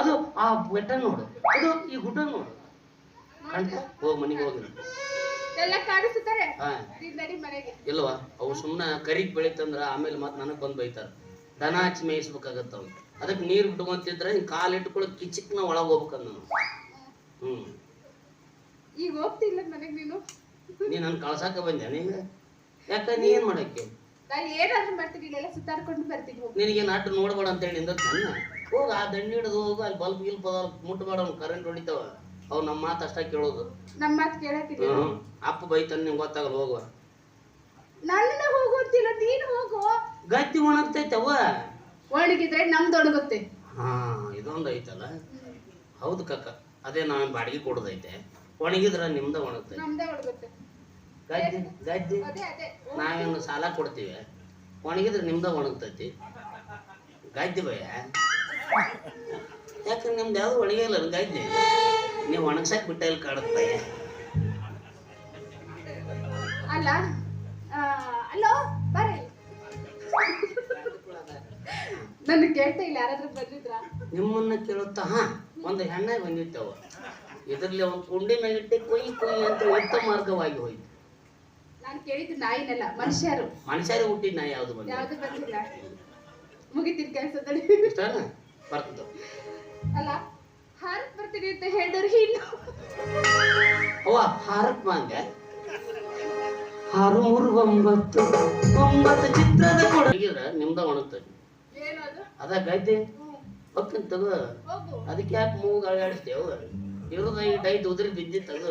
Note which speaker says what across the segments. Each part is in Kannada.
Speaker 1: ಅದು ಆ ಬೆಟ್ಟ ನೋಡು, ಅದು ಈ ಗುಡ್ಡ ನೋಡು, ಕಾಣ್ತಾ ಹೋಗಿ ಮನೆಗೆ ಹೋಗಿ
Speaker 2: ಎಲ್ಲ ಕಾಣಿಸುತ್ತಾರೆ.
Speaker 1: ಇಲ್ವಾ ಅವು ಸುಮ್ಮನೆ ಕರಿಗ್ ಬೆಳಿತಂದ್ರ ಆಮೇಲೆ ಮತ್ತೆ ನನಗೆ ಬಂದು ಬೈತಾರ. ದನ ಹಚ್ಚಿ ಮೇಯಿಸ್ಬೇಕಾಗತ್ತ ಅವ್, ಅದಕ್ಕೆ ನೀರು ಬಿಟ್ಕೊಂತಿದ್ರೆ ಹಿಂಗೆ ಕಾಲು ಇಟ್ಕೊಳಕ್ ಕಿಚಿಕ್ನ ಒಳಗೆ ಹೋಗ್ಬೇಕಂದ ನಾನು.
Speaker 2: ಈಗ ಹೋಗ್ತಿಲ್ಲ ಮನೆಗೆ ನೀನು
Speaker 1: ನನ್ ಕಳ್ಸಾಕ ಬಂದ್ಯಾ ನೀನು? ಯಾಕ ನೀ ಏನ್ ಮಾಡಕ್ಕೆ?
Speaker 2: ಏನಾದ್ರೂ ಮಾಡ್ತೀನಿ, ಇಲ್ಲೆಲ್ಲ ಸುತ್ತಾಡ್ಕೊಂಡು ಬರ್ತೀನಿ.
Speaker 1: ನಿನಗೇನು ಅಡ್ಡ ನೋಡ್ಬೇಡ ಅಂತ ಹೇಳಿ ನಿಂದ ನನ್ನ ಹೋಗ ಆ ದಂಡಿ ಹಿಡಿದು ಹೋಗು, ಅಲ್ಲಿ ಬಲ್ಬ್ ಗಿಲ್ಪ್ ಮುಟ್ಬೇಡ, ಅವ್ನು ಕರೆಂಟ್ ಹೊಡಿತಾವ. ಅವ್ ನಮ್ಮ ಮಾತು ಅಷ್ಟ ಕೇಳೋದು,
Speaker 2: ನಮ್ಮ ಮಾತು ಕೇಳಕ್ಕಿಲ್ಲ.
Speaker 1: ಅಪ್ಪ ಬೈತಾನ ನಿಂಗೆ ಗೊತ್ತಾಗಲ್ಲ. ಹೋಗುವ
Speaker 2: ನನ್ನ ಹೋಗು ಅಂತಿಲ್ಲ, ನೀನು ಹೋಗು.
Speaker 1: ಗಟ್ಟಿ ಒಣಗ್ತೈತೆ ಅವ,
Speaker 2: ಒಣಗಿದ್ರೆ ನಮ್ದು ಒಣಗುತ್ತೆ.
Speaker 1: ಹಾ ಇದೊಂದು ಐತಲ್ಲ. ಹೌದು ಕಕ್ಕ, ಅದೇ ನಾವೇನು ಬಾಡಿಗೆ ಕೊಡೋದೈತೆ. ಒಣಗಿದ್ರ ನಿಮ್ದ ಒಣಗ್ತೈತೆ,
Speaker 2: ನಮ್ದೇ ಒಣಗುತ್ತೆ.
Speaker 1: ಗದ್ದೆ ಗದ್ದೆ ನಾವೇನು ಸಾಲ ಕೊಡ್ತೀವಿ, ಒಣಗಿದ್ರೆ ನಿಮ್ದ ಒಣಗ್ತೈತಿ. ಗದ್ದೆ ಭಯ ಯಾಕಂದ್ರೆ ನಿಮ್ದು ಯಾವ್ದು ಒಣಗಿಲ್ಲ ಗದ್ದೆ, ನೀವು ಒಣಗ್ಸಕ್ ಬಿಟ್ಟ ಇಲ್ಲಿ ಕಾಡುತ್ತೆ.
Speaker 2: ಅಲ್ಲ ಅಲ್ಲೋ ಬರ್ರಿ, ನನ್ನ ಕೇಳ್ತಾ ಇಲ್ಲ. ಯಾರಾದ್ರೂ ಬಂದಿದ್ರ?
Speaker 1: ನಿಮ್ಮನ್ನ ಕೇಳುತ್ತಾ? ಹಾ, ಒಂದು ಹೆಣ್ಣಾಗಿ ಬಂದಿತ್ತವ. ಇದರಲ್ಲಿ ಒಂದು ಕುಂಡಿ ಮ್ಯಾಗಿಟ್ಟೆ ಕೊಯ್ ಕೊಯ್ ಅಂತ ಉತ್ತಮ ಮಾರ್ಗವಾಗಿ ಹೋಯ್ತು.
Speaker 2: ನಾನು ಕೇಳಿದ್ದು ನಾಯಿನಲ್ಲ, ಮನುಷ್ಯರು.
Speaker 1: ಮನುಷ್ಯರೇ ಹುಟ್ಟಿದ ನಾಯಿ ಯಾವ್ದು ಬಂದ?
Speaker 2: ಯಾವ್ದು ಬಂದಿಲ್ಲ. ಮುಗಿತೀನಿ ಕೆಲಸದಲ್ಲಿ.
Speaker 1: ಇಷ್ಟನ ಬರ್ತದ.
Speaker 2: ಅಲ್ಲ ಹಾರಕ್ ಬರ್ತೀನಿ ಅಂತ ಹೇಳಿದ್ರು ಇನ್ನು
Speaker 1: ಅವ್ವ ಹಾರಕ್ ಬಂದೆ. 6 3 9 9 ಚಿತ್ರದ ಕೊಡಗಿದ್ರ ನಿಮ್ದ ಒಣಗ್ತದೆ. ಅದ ಗದ್ದೆ ಹೊಕ್ಕಂತ ತಗೋ. ಅದಕ್ಕೆ ಯಾಕೆ ಮೂಗು ಅಳಗಾಡಿಸ್ತೇವ? ಇರೋದ ಈ ಡೈಟ್ ಉದ್ರಿ ಬಿದ್ದಿತ್ತದು.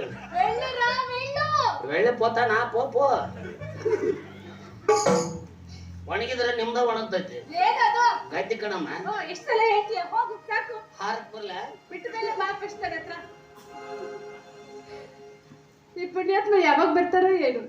Speaker 1: ಒಳ್ಳೆ ಪೋತ ನಾ ಪೋಪೋ ಒಣಗಿದ್ರೆ ನಿಮ್ದ ಒಣಗ್ತೈತಿ. ಗದ್ದೆ ಕಣಮ್ಮ. ಹಾರಕ್ ಬರ್ಲ
Speaker 2: ಈ ಪುಣ್ಯಾತ್ಮ ಯಾವಾಗ ಬರ್ತಾರೋ ಏನು?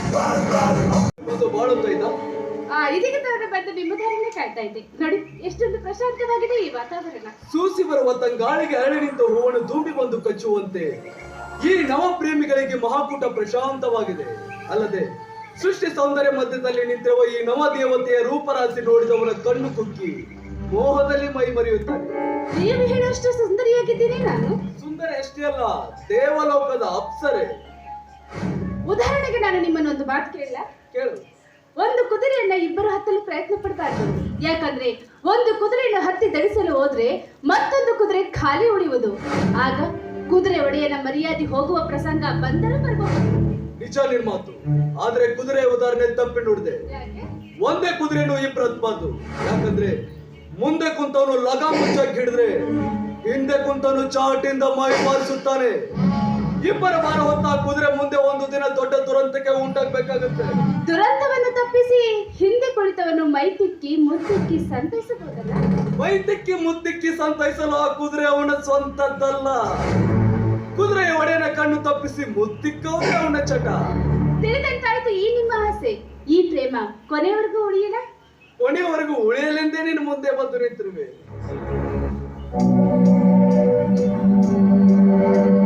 Speaker 2: ಇದೀಗ ತರ ಬಂದು ನಿಮ್ಮ ದಾರಿನೇ ಕಾಯ್ತಾ ಇದ್ದೆ ನೋಡಿ. ಎಷ್ಟೊಂದು ಪ್ರಶಾಂತವಾಗಿದೆ ಈ ವಾತಾವರಣ.
Speaker 3: ಸೂಸಿ ಬರುವ ತಂಗಾಳಿಗೆ ಅರಳಿ ನಿಂತ ಹೂವನ್ನು ಧೂಮಿ ಬಂದು ಕಚ್ಚುವಂತೆ ಈ ನವ ಪ್ರೇಮಿಗಳಿಗೆ ಮಹಾಕೂಟ ಪ್ರಶಾಂತವಾಗಿದೆ. ಅಲ್ಲದೆ ಸೃಷ್ಟಿ ಸೌಂದರ್ಯ ಮಧ್ಯದಲ್ಲಿ ನಿಂತಿರುವ ಈ ನವ ದೇವತೆಯ ರೂಪರಾಶಿ ನೋಡಿದವರ ಕಣ್ಣು ಕುಕ್ಕಿ ಮೋಹದಲ್ಲಿ ಮೈ ಮರೆಯುತ್ತಾರೆ.
Speaker 2: ನೀವು ಹೇಳೋಷ್ಟು ಸುಂದರಿಯಾಗಿದ್ದೀನಿ ನಾನು?
Speaker 3: ಸುಂದರ ಅಷ್ಟೇ ಅಲ್ಲ, ದೇವಲೋಕದ ಅಪ್ಸರೆ.
Speaker 2: ಉದಾಹರಣೆಗೆ ನಾನು ನಿಮ್ಮನ್ನೊಂದು ಮಾತು ಕೇಳಿಲ್ಲ?
Speaker 3: ಕೇಳು.
Speaker 2: ಒಂದು ಕುದುರೆಯನ್ನ ಇಬ್ಬರು ಹತ್ತಲು ಪ್ರಯತ್ನ ಪಡಬಾರ್ದು. ಯಾಕಂದ್ರೆ ಒಂದು ಕುದುರೆಯನ್ನು ಹತ್ತಿ ಧರಿಸಲು ಹೋದ್ರೆ ಮತ್ತೊಂದು ಕುದುರೆ ಖಾಲಿ ಉಳಿಯುವುದು. ಆಗ ಕುದುರೆ ಒಡೆಯನ ಮರ್ಯಾದೆ ಹೋಗುವ ಪ್ರಸಂಗ ಬಂದರೂ ಬರಬಹುದು.
Speaker 3: ನಿಜ ನಿನ್ ಮಾತು. ಆದ್ರೆ ಕುದುರೆ ಉದಾಹರಣೆ ತಪ್ಪಿ ನೋಡಿದೆ. ಒಂದೇ ಕುದುರೆನು ಇಬ್ಬರು ಹತ್ಬಾರ್ದು. ಯಾಕಂದ್ರೆ ಮುಂದೆ ಕುಂತವನು ಲಗಾ ಮುಚ್ಚಾಗಿ ಹಿಡಿದ್ರೆ ಹಿಂದೆ ಕುಂತವನು ಚಾಟಿಂದ ಮೈ ಬಾರಿಸುತ್ತಾನೆ. ಇಬ್ಬರ ಭಾರ ಹೊತ್ತ ಕುದುರೆ ಮುಂದೆ ಒಂದು ದಿನ ದೊಡ್ಡ ದುರಂತಕ್ಕೆ ಉಂಟಾಗಬೇಕಾಗುತ್ತೆ.
Speaker 2: ದುರಂತವನ್ನು ತಪ್ಪಿಸಿ ಹಿಂದೆ ಕುಳಿತವನು ಮೈ ತಿಕ್ಕಿ ಮುತ್ತಿಕ್ಕಿ ಸಂತೈಸಬಹುದಲ್ಲ?
Speaker 3: ಮೈ ತಿಕ್ಕಿ ಮುತ್ತಿಕ್ಕಿ ಸಂತೈಸಲು ಆ ಕುದುರೆ ಅವನ ಸ್ವಂತದ್ದಲ್ಲ. ಕುದುರೆಯ ಒಡೆಯನ ಕಣ್ಣು ತಪ್ಪಿಸಿ ಮುತ್ತಿಕ್ಕವನೇ ಅವನ ಚಟ.
Speaker 2: ತಿಳಿದಂತಾಯ್ತು ಈ ನಿಮ್ಮ ಆಸೆ. ಈ ಪ್ರೇಮ ಕೊನೆಯವರೆಗೂ ಉಳಿಯಲ್ಲ?
Speaker 3: ಕೊನೆಯವರೆಗೂ ಉಳಿಯಲೆಂದೇ ನೀನು ಮುಂದೆ ಬಂದು ನಿಂತಿರುವೆ.